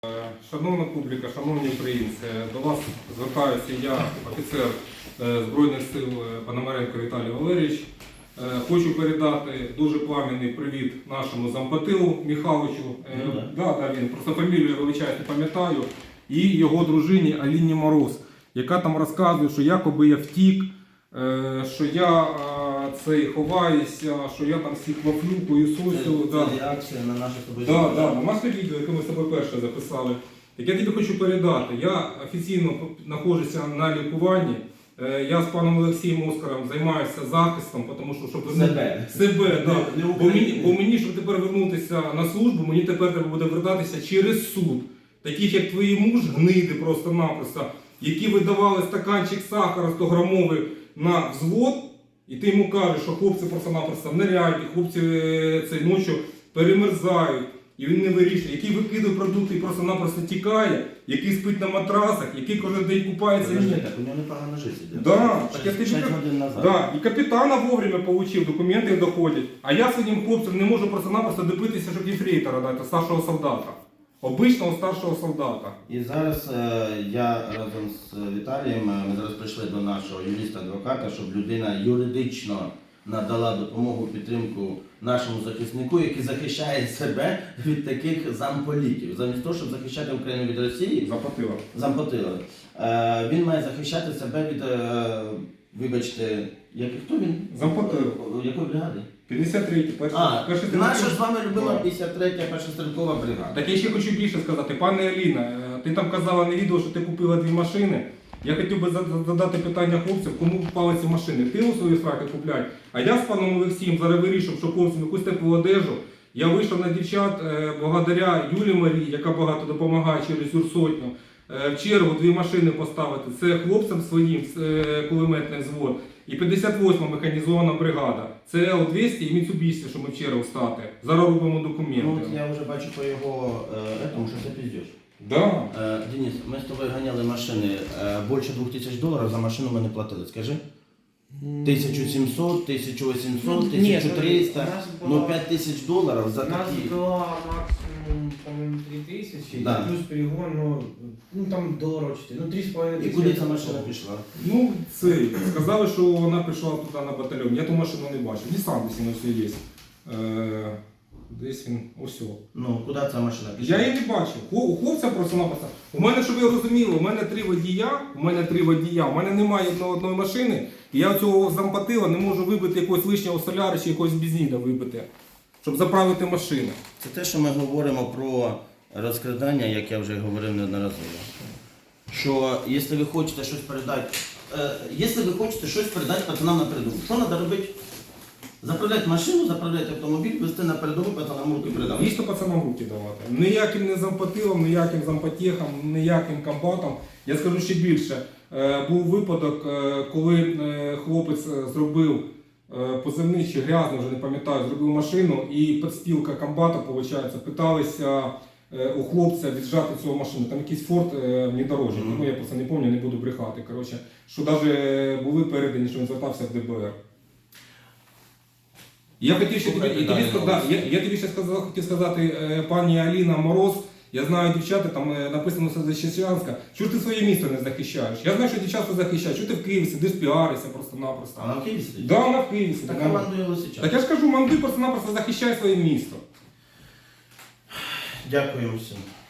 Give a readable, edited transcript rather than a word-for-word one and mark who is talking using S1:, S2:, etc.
S1: Шановна публіка, шановні українці, до вас звертаюся я, офіцер Збройних сил Пономаренко Віталій Валерійович. Хочу передати дуже пламенний привіт нашому зампотилу Михайловичу. Він просто фамілію, вибачаю, не пам'ятаю. І його дружині Аліні Мороз, яка там розказує, що якоби я втік, що я ховаюся, що я там всіх вафлю, пуєсосю.
S2: Це реакція на наше тобі.
S1: Наше відео, яке ми з тобою перше записали. Так я тобі хочу передати. Я офіційно знаходжуся на лікуванні. Я з паном Олексієм Оскаром займаюся захистом, тому що, щоб себе. Бо мені, щоб тепер вернутися на службу, мені тепер треба буде вертатися через суд. Таких, як твій муж, гниди просто-напросто, які видавали стаканчик сахара 100-грамовий на взвод, і ти йому кажеш, що хлопці просто-напросто в наряді, хлопці цієї ночі перемерзають, і він не вирішує, який викидає продукти і просто-напросто тікає, який спить на матрасах, який кожен день купається.
S2: Так, у нього непогано життя. 6 годин назад.
S1: І капітана вовремя отримав, документи доходять. А я своїм хлопцям не можу просто-напросто добитися, щоб єфрейтора дати, старшого солдата. Обичного старшого солдата.
S2: І зараз я разом з Віталієм, ми зараз прийшли до нашого юриста-адвоката, щоб людина юридично надала допомогу, підтримку нашому захиснику, який захищає себе від таких замполітів. Замість того, щоб захищати Україну від Росії, зампотила. Він має захищати себе від, вибачте, хто він?
S1: Зампотила.
S2: Якої бригади?
S1: 53-й,
S2: наша з вами любима 53-я перша стрілкова бригада.
S1: Так я ще хочу більше сказати. Пане Аліна, ти там казала на відео, що ти купила 2 машини. Я хотів би задати питання хлопцям, кому впали ці машини. Ти у свої фраки купляй. А я з паном Олексієм зараз вирішив, що хлопцям якусь теплу одежу. Я вийшов на дівчат благодаря Юлії Марії, яка багато допомагає через Юрсотню. В чергу 2 машини поставити. Це хлопцям своїм кулеметний взвод. І 58-ма механізована бригада. Це Л-200 і Mitsubishi, що ми в чергу стати. Зараз робимо документи.
S2: Ну, от я вже бачу по його этому, що це піздєш.
S1: Да.
S2: Денис, ми з тобою ганяли машини. Більше $2000 за машину ми не платили, скажи? 1700, 1800, 1300, ну $5000 за такі.
S3: У нас была максимум, по-моему, 3000,
S2: да.
S3: Плюс перегон, ну там $4, ну 3,5
S2: І куди ця машина пішла?
S1: Ну, сказали, що вона прийшла туди на батальйон. Я ту машину не бачив. Нісан десь воно все є. Десь він, ось.
S2: Ну, куди ця машина пішла?
S1: Я її не бачив. У хлопця просто-напросто. У мене, щоб ви розуміли, у мене 3 водія, у мене немає одної машини, і я цього зампотила не можу вибити якогось лишнього соляра чи якогось бензина вибити, щоб заправити машину.
S2: Це те, що ми говоримо про розкрадання, як я вже говорив неодноразово. Що, якщо ви хочете щось передати, пацанам на передову, що треба робити? Заправляти машину, заправляти автомобіль, везти на передову, пацанам руки передати.
S1: Дійсно пацанам руки давати. Ніяким не зампотилом, ніяким зампотехам, ніяким комбатом. Я скажу ще більше. Був випадок, коли хлопець зробив позивний чи грязний, вже не пам'ятаю, зробив машину і підстілка комбата, виходить, питалися у хлопця віджати цю машину. Там якийсь Форд внедорожник, я просто не пам'ятаю, не буду брехати. Коротше, що навіть були передані, що він звертався в ДБР. Я тобі ще хотів сказати, пані Аліна Мороз, я знаю дівчата, там написано все Защечанська, чого ж ти своє місто не захищаєш? Я знаю, що дівчата захищають, чого ти в Києві сидиш, піаришся просто-напросто.
S2: А вона в Києві сидить?
S1: Да, вона в Києві сидить.
S2: Так командує Лисичанська.
S1: Так я ж кажу, манди просто-напросто захищай своє місто.
S2: Дякую всім.